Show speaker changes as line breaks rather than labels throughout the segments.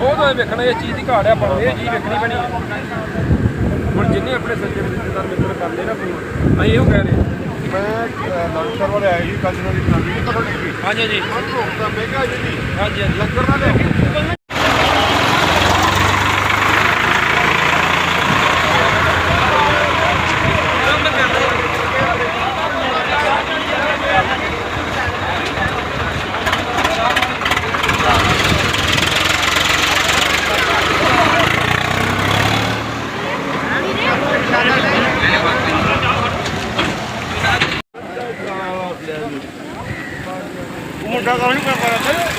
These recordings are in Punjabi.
ਉਹ ਤਾਂ ਵੇਖਣਾ ਇਹ ਚੀਜ਼ ਦੀ ਘਾਟ ਹੈ, ਆਪਾਂ ਨੂੰ ਇਹ ਚੀਜ਼ ਵੇਖਣੀ ਪੈਣੀ ਹੈ। ਹੁਣ ਜਿੰਨੇ ਆਪਣੇ ਸੱਜੇ ਰਿਸ਼ਤੇਦਾਰ ਮਿੱਤਰ ਕਰਦੇ ਨਾ ਫੋਨ, ਅਸੀਂ ਇਹੋ ਕਹਿ ਰਹੇ
ਮੈਂ ਲੰਗਰ ਵਾਲੇ ਆਏ ਜੀ ਕੱਲ ਦੀ ਜਨਾਨੀ ਨਹੀਂ ਪਤਾ ਲੱਗੀ।
ਹਾਂਜੀ ਜੀ
ਤਾਂ ਮੈਂ ਕਿਹਾ ਜੀ
ਹਾਂਜੀ ਹਾਂਜੀ
ਲੰਗਰ ਨਾ ਲੈ ਮੁੰਡਾ ਕਾਹਨੂੰ ਨਹੀਂ ਕਰ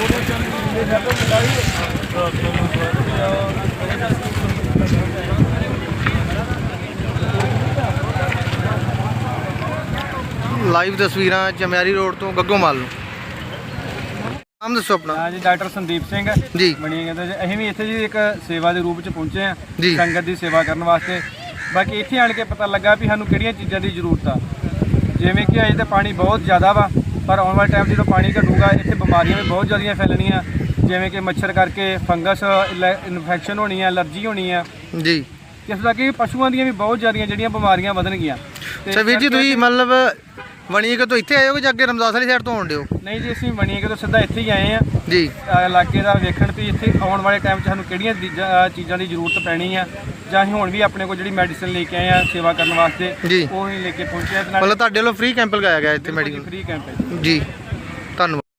ਲਾਈਵ ਤਸਵੀਰਾਂ ਚਮਿਆਰੀ ਰੋਡ ਤੋਂ ਗੱਗੋਮਾਲ ਨੂੰ। ਨਾਮ ਦੱਸੋ ਆਪਣਾ।
ਹਾਂ ਜੀ ਡਾਕਟਰ ਸੰਦੀਪ ਸਿੰਘ
ਜੀ
ਬਣੀ ਕਹਿੰਦੇ ਜੀ। ਅਸੀਂ ਵੀ ਇੱਥੇ ਜੀ ਇੱਕ ਸੇਵਾ ਦੇ ਰੂਪ 'ਚ ਪਹੁੰਚੇ ਹਾਂ
ਜੀ।
ਸੰਗਤ ਦੀ ਸੇਵਾ ਕਰਨ ਵਾਸਤੇ। ਬਾਕੀ ਇੱਥੇ ਆਣ ਕੇ ਪਤਾ ਲੱਗਾ ਵੀ ਸਾਨੂੰ ਕਿਹੜੀਆਂ ਚੀਜ਼ਾਂ ਦੀ ਜ਼ਰੂਰਤ ਆ। ਜਿਵੇਂ ਕਿ ਅਜੇ ਤਾਂ ਪਾਣੀ ਬਹੁਤ ਜ਼ਿਆਦਾ ਵਾ, ਪਰ ਆਉਣ ਵਾਲੇ ਟਾਈਮ ਜਦੋਂ ਪਾਣੀ ਘਟੂਗਾ ਇੱਥੇ ਬਿਮਾਰੀਆਂ ਵੀ ਬਹੁਤ ਜ਼ਿਆਦੀਆਂ ਫੈਲਣੀਆਂ, ਜਿਵੇਂ ਕਿ ਮੱਛਰ ਕਰਕੇ ਫੰਗਸ ਇਨਫੈਕਸ਼ਨ ਹੋਣੀ ਆ, ਐਲਰਜੀ ਹੋਣੀ ਆ
ਜੀ।
ਇਸ ਦਾ ਕਿ ਪਸ਼ੂਆਂ ਦੀਆਂ ਵੀ ਬਹੁਤ ਜ਼ਿਆਦੀਆਂ ਜਿਹੜੀਆਂ ਬਿਮਾਰੀਆਂ ਵਧਣਗੀਆਂ।
ਅੱਛਾ ਵੀਰ ਜੀ, ਤੁਸੀਂ ਮਤਲਬ ਵਣੀਕੇ ਤੋਂ ਇੱਥੇ ਆਏ ਹੋ ਕਿ ਅੱਗੇ ਰਮਦਾਸ ਵਾਲੀ ਸਾਈਡ ਤੋਂ ਆਉਂਦੇ ਹੋ?
ਨਹੀਂ ਜੀ, ਅਸੀਂ ਵਣੀਕੇ ਤੋਂ ਸਿੱਧਾ ਇੱਥੇ ਹੀ ਆਏ ਆ
ਜੀ।
ਇਲਾਕੇ ਦਾ ਵੇਖਣ ਵੀ ਇੱਥੇ ਆਉਣ ਵਾਲੇ ਟਾਈਮ 'ਚ ਸਾਨੂੰ ਕਿਹੜੀਆਂ ਚੀਜ਼ਾਂ ਦੀ ਜ਼ਰੂਰਤ ਪੈਣੀ ਆ, ਜਾਂ ਅਸੀਂ ਹੁਣ ਵੀ ਆਪਣੇ ਕੋਲ ਜਿਹੜੀ ਮੈਡੀਸਿਨ ਲੈ ਕੇ ਆਏ ਆ ਸੇਵਾ ਕਰਨ ਵਾਸਤੇ
ਜੀ।
ਉਹ ਹੀ ਲੈ ਕੇ ਪਹੁੰਚੇ ਆ।
ਮਤਲਬ ਤੁਹਾਡੇ ਵੱਲੋਂ ਫ੍ਰੀ ਕੈਂਪ ਲਗਾਇਆ ਗਿਆ ਇੱਥੇ ਮੈਡੀਕਲ?
ਫ੍ਰੀ ਕੈਂਪ ਹੈ
ਜੀ।